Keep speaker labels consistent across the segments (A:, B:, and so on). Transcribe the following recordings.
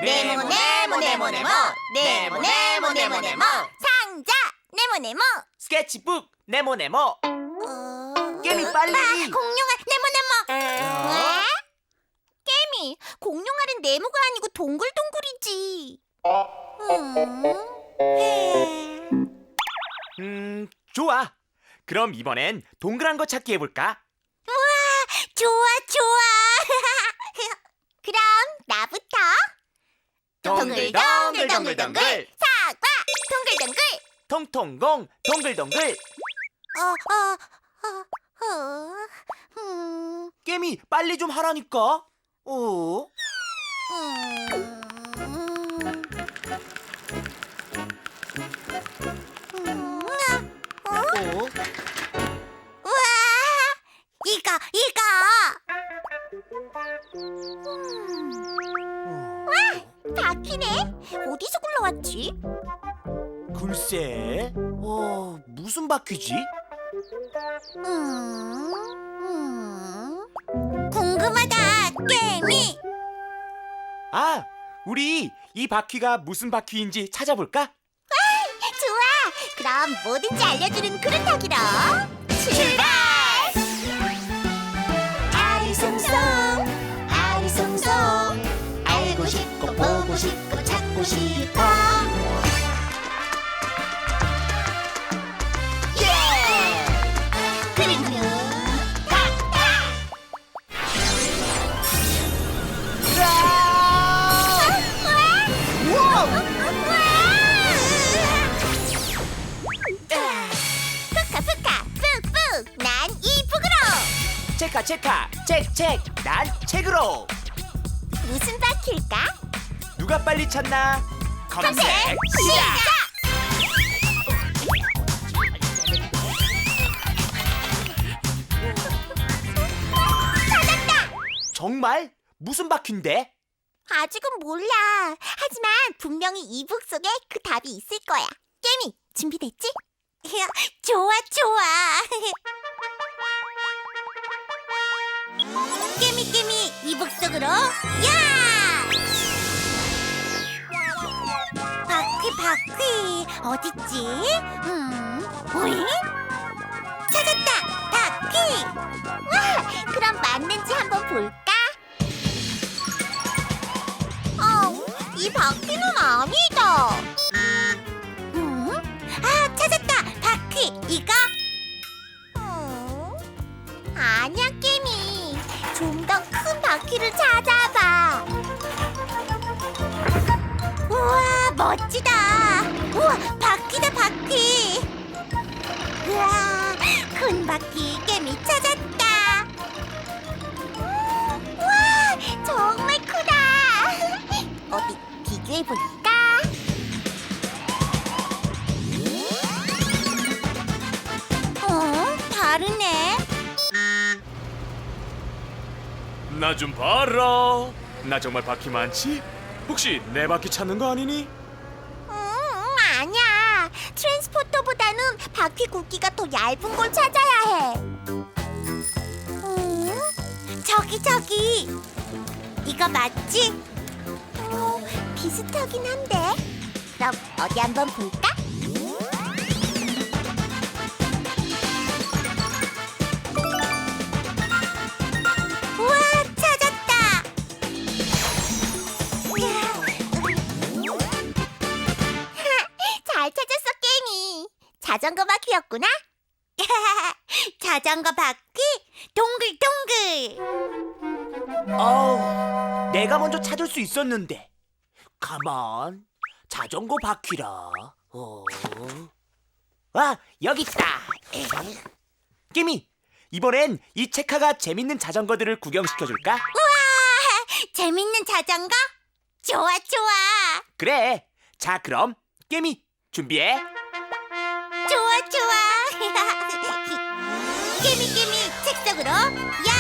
A: 네모 네모 네모 네모 네모 네모 네모 네모 상자 네모 네모
B: 스케치북 네모네모. 깨미 빨리.
A: 공룡알 네모 네모 왜? 깨미 공룡알은 네모가 아니고 동글동글이지.
B: 좋아. 그럼 이번엔 동그란 거 찾기 해볼까?
A: 좋아 좋아 그럼 나부터
B: 동글동글동글동글
A: 사과 동글동글
B: 통통공 동글동글. 깨미 빨리 좀 하라니까.
A: 우와 이거 와 바퀴네 어디서 굴러왔지?
B: 글쎄. 무슨 바퀴지?
A: 궁금하다 깨미.
B: 아, 우리 이 바퀴가 무슨 바퀴인지 찾아볼까?
A: 좋아 그럼 뭐든지 알려주는 그릇 타기로 출발. 아리송송 아리송송 알고 싶고 보고 싶고 찾고 싶어 예 그림은 탁탁 푸카 푹푹 난 이북으로
B: 체카 책 난 책으로.
A: 무슨 바퀴일까?
B: 누가 빨리 찾나? 검색
A: 시작! 찾았다!
B: 정말? 무슨 바퀴인데?
A: 아직은 몰라. 하지만 분명히 이북 속에 그 답이 있을 거야. 깨미, 준비됐지? 좋아. 깨미, 이북 속으로 야! 바퀴, 어딨지? 오잉? 찾았다! 바퀴! 와, 그럼 맞는지 한번 볼까? 이 바퀴는 아니다. 찾았다. 바퀴 이거. 아니야 깨미. 좀 더 큰 바퀴를 찾아봐. 우와 멋지다. 우와 바퀴다 바퀴. 우와 큰 바퀴 깨미 찾았다. 우와 정말 크다. 어디 비교해볼까? 다르네.
B: 나 좀 봐라. 나 정말 바퀴 많지? 혹시 내 바퀴 찾는 거 아니니?
A: 아니야. 트랜스포터보다는 바퀴 굵기가 더 얇은 걸 찾아야 해. 저기. 이거 맞지? 비슷하긴 한데. 그럼 어디 한번 볼까? 우와, 찾았다. 잘 찾았어, 깨미. 자전거 바퀴였구나. 자전거 바퀴 동글동글.
B: 내가 먼저 찾을 수 있었는데. 가만. 자전거 바퀴라. 여기 있다. 깨미, 이번엔 이 체카가 재밌는 자전거들을 구경시켜줄까?
A: 우와, 재밌는 자전거? 좋아.
B: 그래. 자, 그럼 깨미 준비해.
A: 좋아. 깨미 책 속으로 야!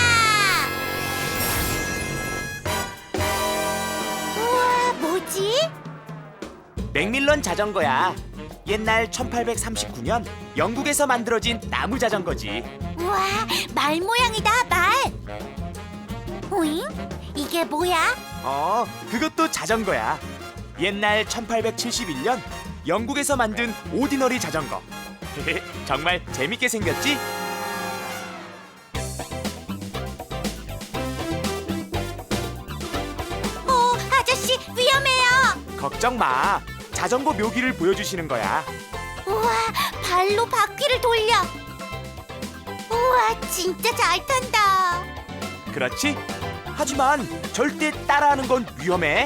A: 우와, 뭐지?
B: 맥밀런 자전거야. 옛날 1839년 영국에서 만들어진 나무 자전거지.
A: 우와, 말 모양이다, 말. 오잉? 이게 뭐야?
C: 그것도 자전거야. 옛날 1871년 영국에서 만든 오디너리 자전거. 정말 재밌게 생겼지?
A: 아저씨 위험해요.
C: 걱정 마. 자전거 묘기를 보여주시는 거야.
A: 우와, 발로 바퀴를 돌려. 우와, 진짜 잘 탄다.
C: 그렇지? 하지만 절대 따라하는 건 위험해.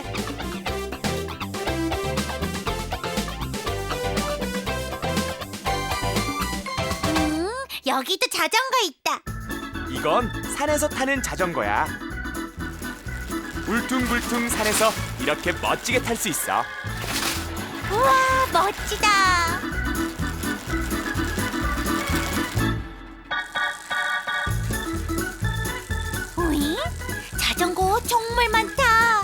A: 여기도 자전거 있다.
C: 이건 산에서 타는 자전거야. 울퉁불퉁 산에서 이렇게 멋지게 탈 수 있어.
A: 우와, 멋지다. 오잉? 자전거 정말 많다.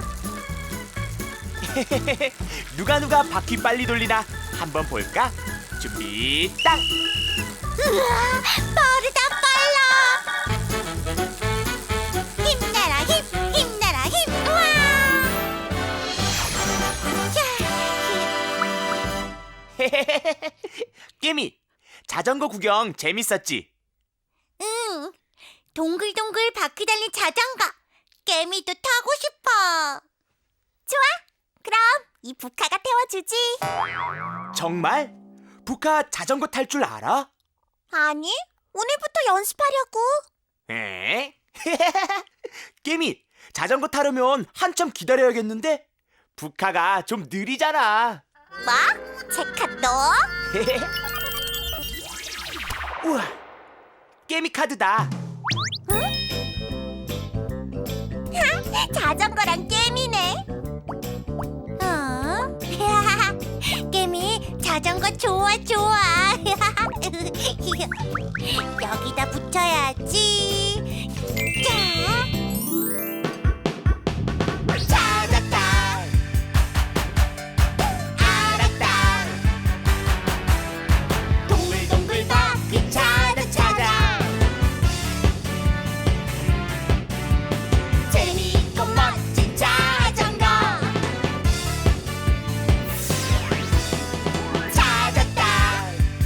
C: 누가 바퀴 빨리 돌리나 한번 볼까? 준비 딱!
A: 우와, 빠르다 빨라. 힘내라 힘, 힘내라 힘. 우와.
C: 깨미, 자전거 구경 재밌었지?
A: 응, 동글동글 바퀴 달린 자전거. 깨미도 타고 싶어. 좋아, 그럼 이 부카가 태워주지.
C: 정말? 부카 자전거 탈 줄 알아?
A: 아니, 오늘부터 연습하려고.
C: 에? 깨미, 자전거 타려면 한참 기다려야겠는데? 부카가 좀 느리잖아.
A: 뭐? 제카 너?
C: 우와, 깨미 카드다.
A: 자전거랑 게임이네. 게임이 자전거 좋아 좋아. 여기다 붙여야지. 자, 찾았다. 알았다. 동글동글 바퀴 찾아. 재미있고 멋진 자전거 찾았다.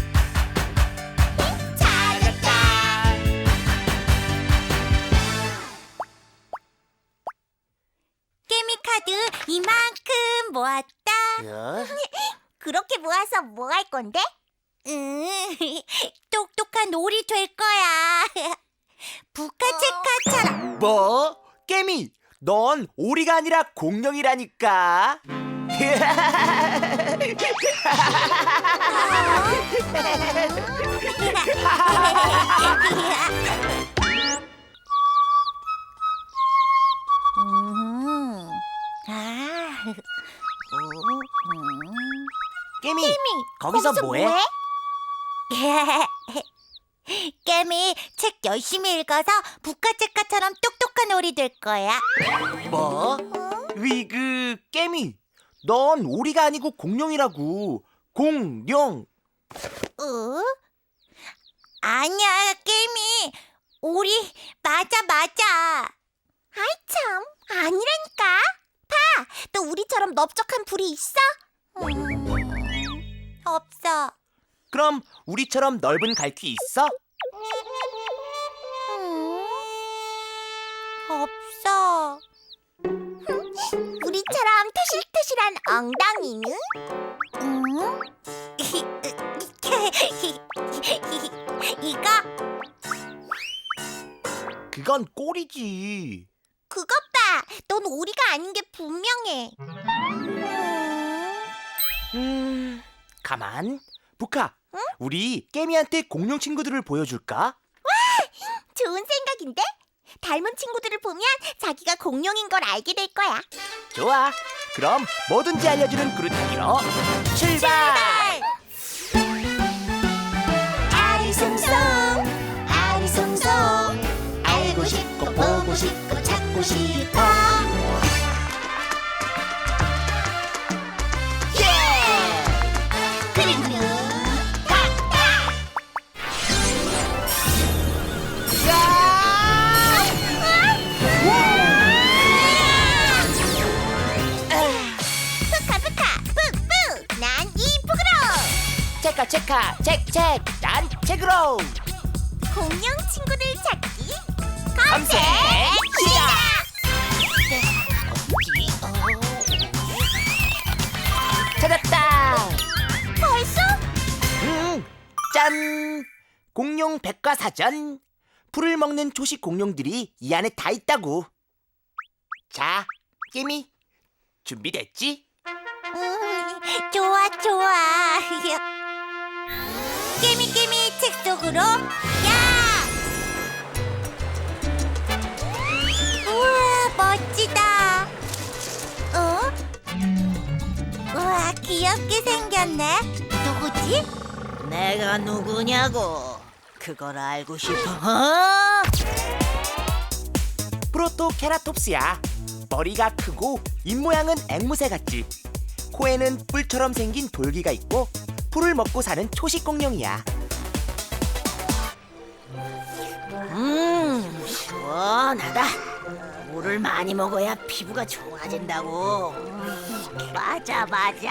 A: 게미카드 이만큼 모았다. 그렇게 모아서 뭐 할 건데? 똑똑한 오리 될 거야. 부카체카처럼.
C: 뭐? 깨미, 넌 오리가 아니라 공룡이라니까. 깨미, 거기서 뭐해?
A: 깨미 책 열심히 읽어서 부카체카처럼 똑똑한 오리 될 거야.
C: 뭐? 깨미, 넌 오리가 아니고 공룡이라고. 공룡.
A: 아니야, 깨미. 오리 맞아. 아이 참, 아니라니까. 봐, 너 우리처럼 넓적한 불이 있어? 없어.
C: 그럼 우리처럼 넓은 갈퀴 있어?
A: 없어. 우리처럼 토실토실한 엉덩이는? 이거?
C: 그건 꼬리지.
A: 그것 봐. 넌 오리가 아닌 게 분명해.
C: 가만. 부카, 우리 깨미한테 공룡 친구들을 보여줄까?
A: 좋은 생각인데? 닮은 친구들을 보면 자기가 공룡인 걸 알게 될 거야.
C: 좋아. 그럼 뭐든지 알려주는 그루타기로 출발!
A: 아리송송 아리송송 알고 싶고 보고 싶고 찾고 싶어. 예! 그림그림 탁탁.
C: 체카 책 난 책으로
A: 공룡 친구들 찾기
C: 검색 시작. 찾았다.
A: 벌써?
C: 짠! 공룡 백과사전. 풀을 먹는 초식 공룡들이 이 안에 다 있다고. 자, 깨미, 준비됐지?
A: 좋아 좋아. 깨미 책 속으로 야! 우와 멋지다. 우와 귀엽게 생겼네. 누구지?
D: 내가 누구냐고 그걸 알고 싶어?
C: 프로토케라톱스야. 머리가 크고 입모양은 앵무새 같지. 코에는 뿔처럼 생긴 돌기가 있고 풀을 먹고 사는 초식 공룡이야.
D: 시원하다. 물을 많이 먹어야 피부가 좋아진다고. 맞아.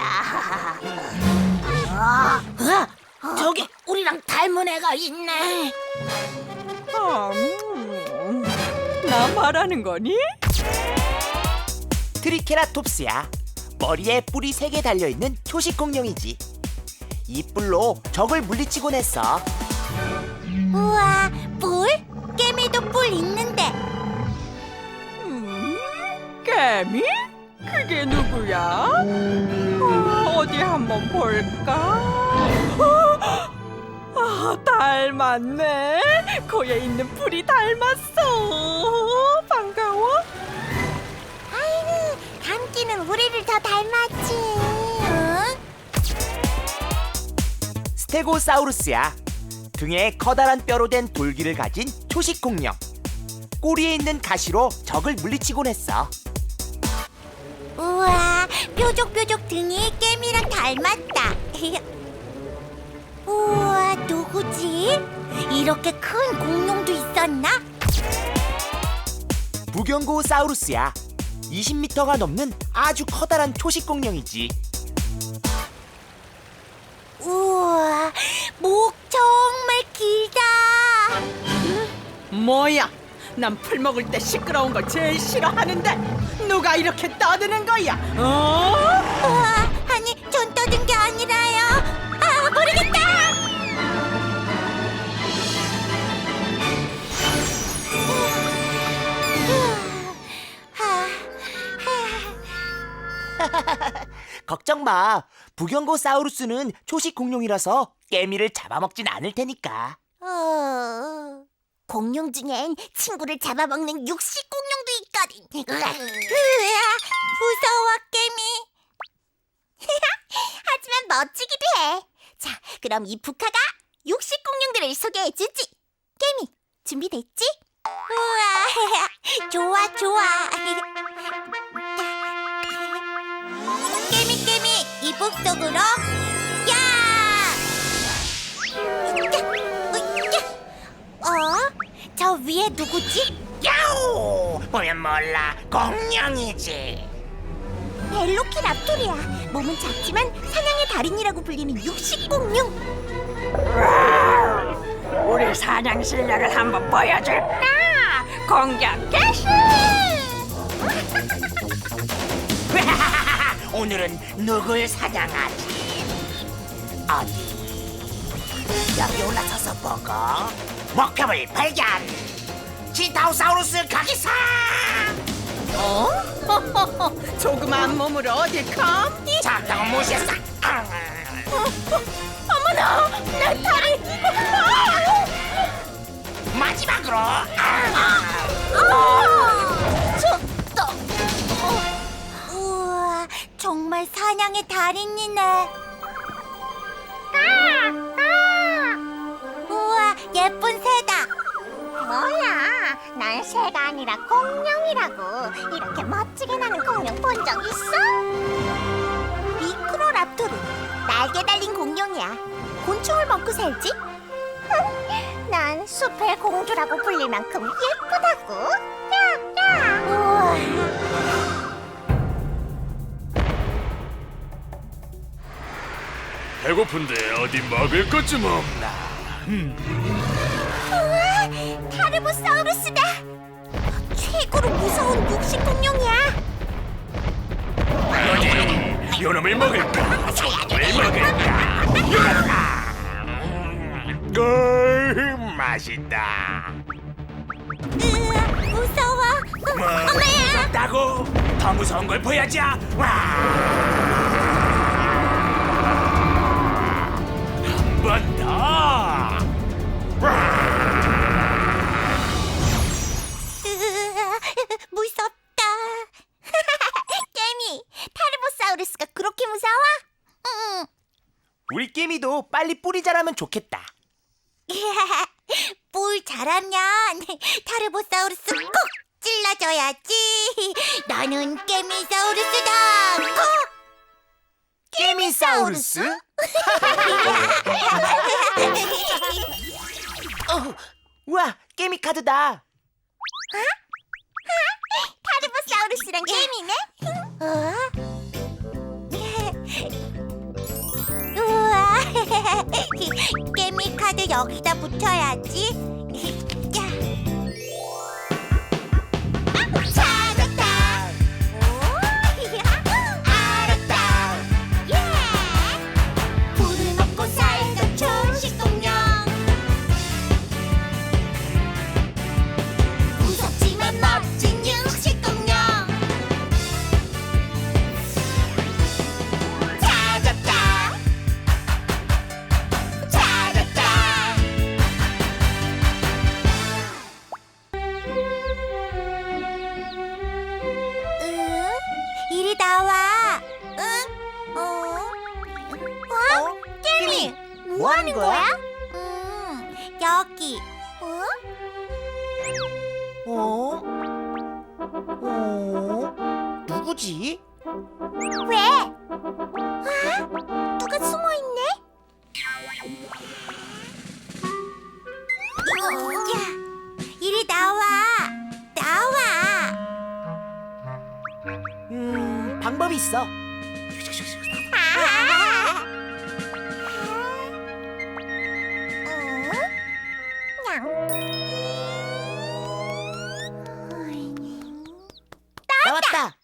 D: 저기 우리랑 닮은 애가 있네.
E: 나 말하는 거니?
C: 트리케라톱스야. 머리에 뿔이 3개 달려있는 초식 공룡이지. 이 뿔로 적을 물리치곤 했어.
A: 우와 뿔? 깨미도 뿔 있는데.
E: 개미? 그게 누구야? 어디 한번 볼까? 닮았네. 코에 있는 뿔이 닮았어. 반가워.
A: 아이고 감기는 우리를 더 닮았지. 응?
C: 스테고사우루스야. 등에 커다란 뼈로 된 돌기를 가진 초식 공룡. 꼬리에 있는 가시로 적을 물리치곤 했어.
A: 우와 뾰족뾰족 등이 깨미랑 닮았다. 우와 누구지? 이렇게 큰 공룡도 있었나?
C: 부경고사우루스야. 20m가 넘는 아주 커다란 초식 공룡이지.
A: 우와 목 정말 길다.
E: 뭐야? 난 풀 먹을 때 시끄러운 걸 제일 싫어하는데 누가 이렇게 떠드는 거야?
A: 우와 아니 전 떠든 게 아니라요. 아 모르겠다.
C: 걱정 마. 부경고사우루스는 초식 공룡이라서 깨미를 잡아먹진 않을 테니까.
A: 공룡 중엔 친구를 잡아먹는 육식 공룡도 있거든. 무서워 깨미. 하지만 멋지기도 해. 자, 그럼 이 부카가 육식 공룡들을 소개해주지. 깨미, 준비됐지? 우와, 좋아. 깨미, 이북 속으로 야! 저 위에 누구지?
C: 야우! 보면 몰라. 공룡이지.
A: 벨로키랍토리야. 몸은 작지만 사냥의 달인이라고 불리는 육식 공룡.
E: 우리 사냥 실력을 한번 보여줄까? 공격 개시!
C: 오늘은 누굴 사냥하지? 어디? 여기 올라서서 보고 목표물 발견! 치타우사우루스 가기사!
E: 조그만 몸으로 어딜 감히?
C: 작다고 무시했어!
E: 어머나! 내 다리!
C: 마지막으로!
A: 졌다. 우와, 정말 사냥의 달인이네. 우와, 예쁜 새다. 뭐야, 난 새가 아니라 공룡이라고. 이렇게 멋지게 나는 공룡 본 적 있어? 미크로랍토르, 날개 달린 공룡이야. 곤충을 먹고 살지? 난 숲의 공주라고 불릴 만큼 예쁘다고. 우와.
B: 배고픈데 어디 먹을 것 좀 없나?
A: 우와, 타르보사우루스다. 최고로 무서운 육식 공룡이야.
B: 어디 요놈을 먹을까? 저놈을 먹을까? 맛있다.
A: 무서워. 엄마야.
B: 무섭다고? 더 무서운 걸 보여줘. 한 번 더.
A: 무섭다. 깨미, 타르보사우루스가 그렇게 무서워? 응.
C: 우리 깨미도 빨리 뿔이 자라면 좋겠다.
A: 뿔 자라면 타르보사우루스 꼭 찔러줘야지. 나는 깨미사우루스다. 콕!
C: 깨미사우루스? 우와, 깨미 카드다.
A: 타르보사우루스랑 깨미네? 우와, 깨미 카드 여기다 붙여야지. 야. 찾았다. 오, 알았다. 예. 불을 먹고 살던 초식공룡. 무섭지만 멋진 육식공룡. 찾았다. 찾았다. 이리 나와. 응? 깨미,
C: 뭐 하는 거야?
A: 여기.
C: 누구지?
A: 왜? 누가 숨어 있네? 야, 이리 나와. 나와.
C: 방법이 있어. 나왔다.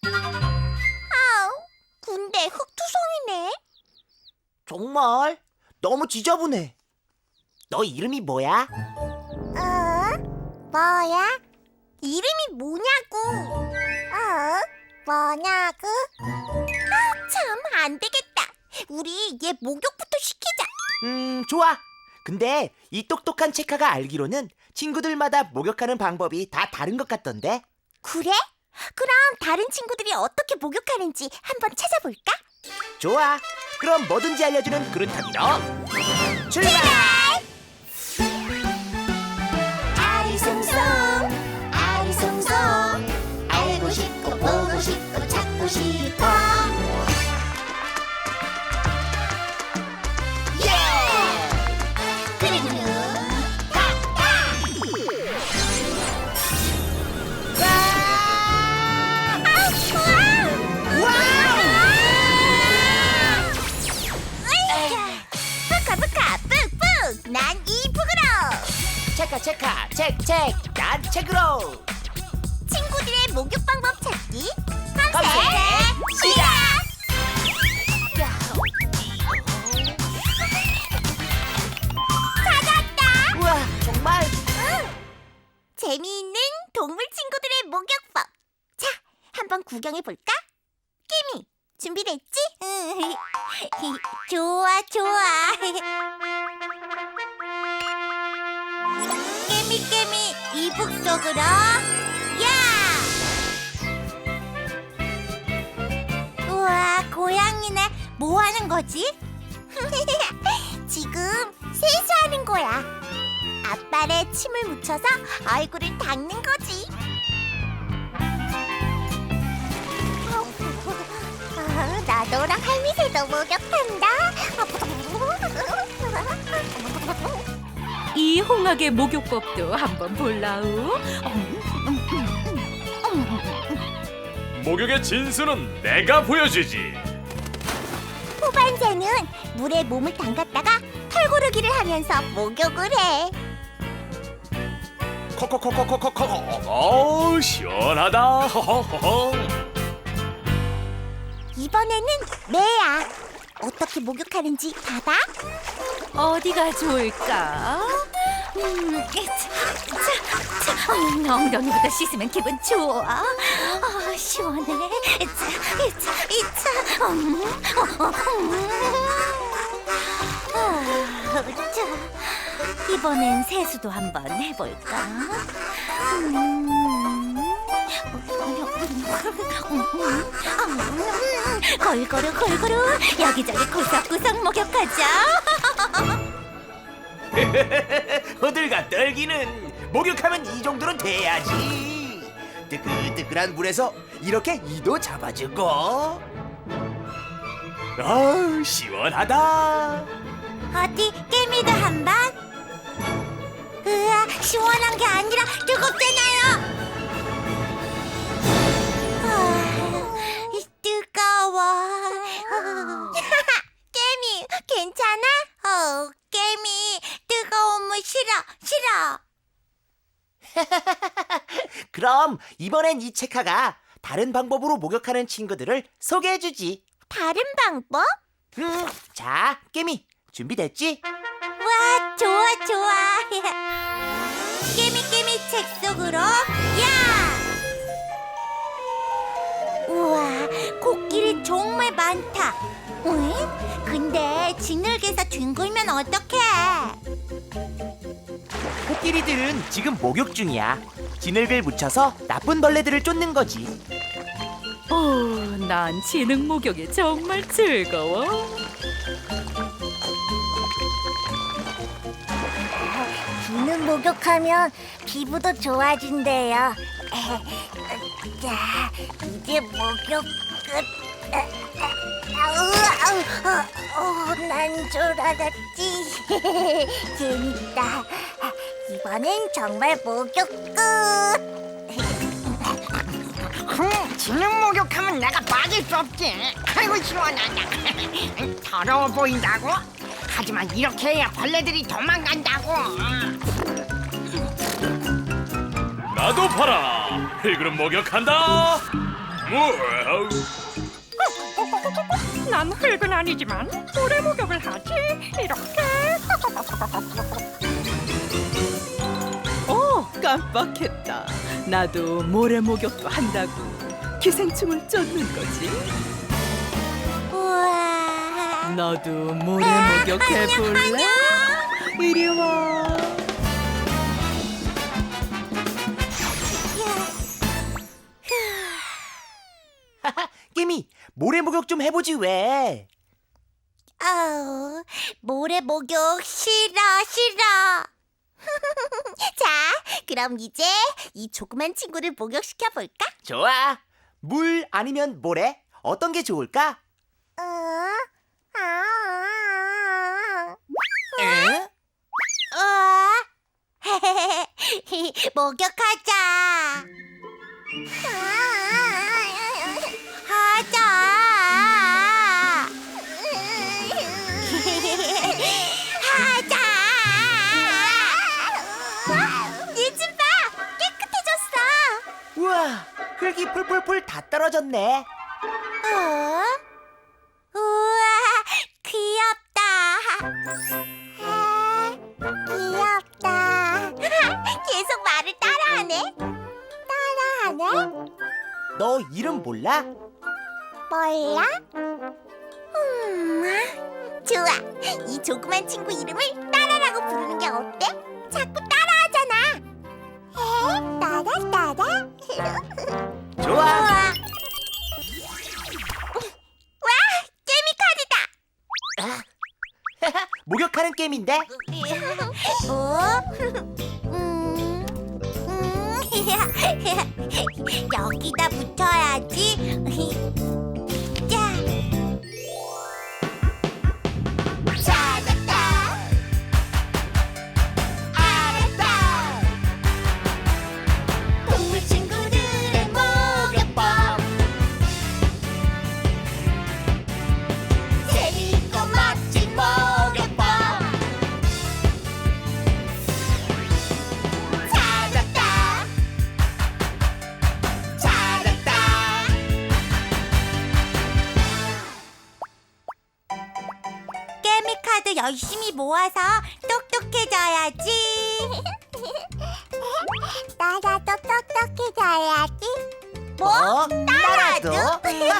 A: 근데 흙투성이네.
C: 정말 너무 지저분해. 너 이름이 뭐야?
A: 뭐야? 이름이 뭐냐고? 뭐냐고? 참, 안 되겠다. 우리 얘 목욕부터 시키자.
C: 좋아. 근데 이 똑똑한 체카가 알기로는 친구들마다 목욕하는 방법이 다 다른 것 같던데.
A: 그래? 그럼 다른 친구들이 어떻게 목욕하는지 한번 찾아볼까?
C: 좋아. 그럼 뭐든지 알려주는 그루타기로 출발!
A: 아리송송 아리송송 알고 싶고 보고 싶고 찾고 싶어. 예! 그리고는 부카 뿍뿍 난 이북으로.
C: 체카 책 난 책으로.
A: 친구들의 목욕 방법 찾기
C: 검색
A: 검색 시작. 찾았다.
C: 우와, 정말.
A: 재미있는 동물 친구들의 목욕법. 자, 한번 구경해 볼까? 깨미, 준비됐지? 좋아. 깨미 이북 속으로. 야! 우와, 고양이네. 뭐 하는 거지? 지금 세수하는 거야. 앞발에 침을 묻혀서 얼굴을 닦는 거지. 나 너랑 할미새도 목욕한다.
F: 이 홍학의 목욕법도 한번 볼라우.
B: 목욕의 진수는 내가 보여주지.
A: 후반전은 물에 몸을 담갔다가 털고르기를 하면서 목욕을 해.
B: 커커커커커커커 시원하다. 허허허.
A: 이번에는 매야. 어떻게 목욕하는지 봐봐.
F: 어디가 좋을까? 엉덩이부터 씻으면 기분 좋아. 시원해. 이번엔 세수도 한번 해볼까? 골고루 여기저기 구석구석 목욕하자.
C: 호들갑 떨기는 목욕하면 이 정도는 돼야지. 뜨끈뜨끈한 물에서 이렇게 이도 잡아주고. 시원하다.
A: 어디 깨미도 한 번? 으아, 시원한 게 아니라 뜨겁잖아요. 뜨거워. 깨미, 괜찮아? 깨미, 뜨거운 물 싫어.
C: 그럼 이번엔 이 체카가 다른 방법으로 목욕하는 친구들을 소개해주지.
A: 다른 방법?
C: 자, 깨미 준비됐지?
A: 와, 좋아. 깨미 책 속으로 야! 우와, 코끼리 정말 많다. 응? 근데 진흙에서 뒹굴면 어떡해?
C: 코끼리들은 지금 목욕 중이야. 진흙을 묻혀서 나쁜 벌레들을 쫓는 거지.
F: 난 진흙 목욕이 정말 즐거워.
A: 진흙 목욕하면 피부도 좋아진대요. 자, 이제 목욕 끝. 난 줄 알았지. 재밌다. 이번엔 정말 목욕 끝.
D: 진흙 목욕하면 내가 빠질 수 없지. 아이고 시원하다. 더러워 보인다고? 하지만 이렇게 해야 벌레들이 도망간다고.
B: 나도 봐라. 필그룹 목욕한다. 우와우.
E: 난 흙은 아니지만 모래 목욕을 하지. 이렇게. 깜빡했다. 나도 모래 목욕도 한다고. 기생충을 쫓는 거지.
A: 우와.
F: 너도 모래 목욕해볼래? 이리 와.
C: 깨미 모래 목욕 좀 해보지 왜?
A: 아우, 모래 목욕 싫어. 자, 그럼 이제 이 조그만 친구를 목욕시켜 볼까?
C: 좋아. 물 아니면 모래? 어떤 게 좋을까? 에?
A: 목욕하자. 하자. 하자. 얘 좀 봐. 깨끗해졌어.
C: 우와, 흙이 풀풀풀 다 떨어졌네.
A: 우와, 귀엽다. 귀엽다. 계속 말을 따라하네.
C: 너 이름 몰라?
A: 몰라? 좋아. 이 조그만 친구 이름을 따라라고 부르는 게 어때? 자꾸 따라하잖아. 따라.
C: 좋아.
A: 와, 깨미 카드다.
C: 목욕하는 게임인데?
A: 여기다 붙여야지. 자. 찾았다. 알았다. 동물 친구들의 목욕법. 재미있고 멋진 열심히 모아서 똑똑해져야지. 나라도 똑똑해져야지. 뭐?
C: 나라도?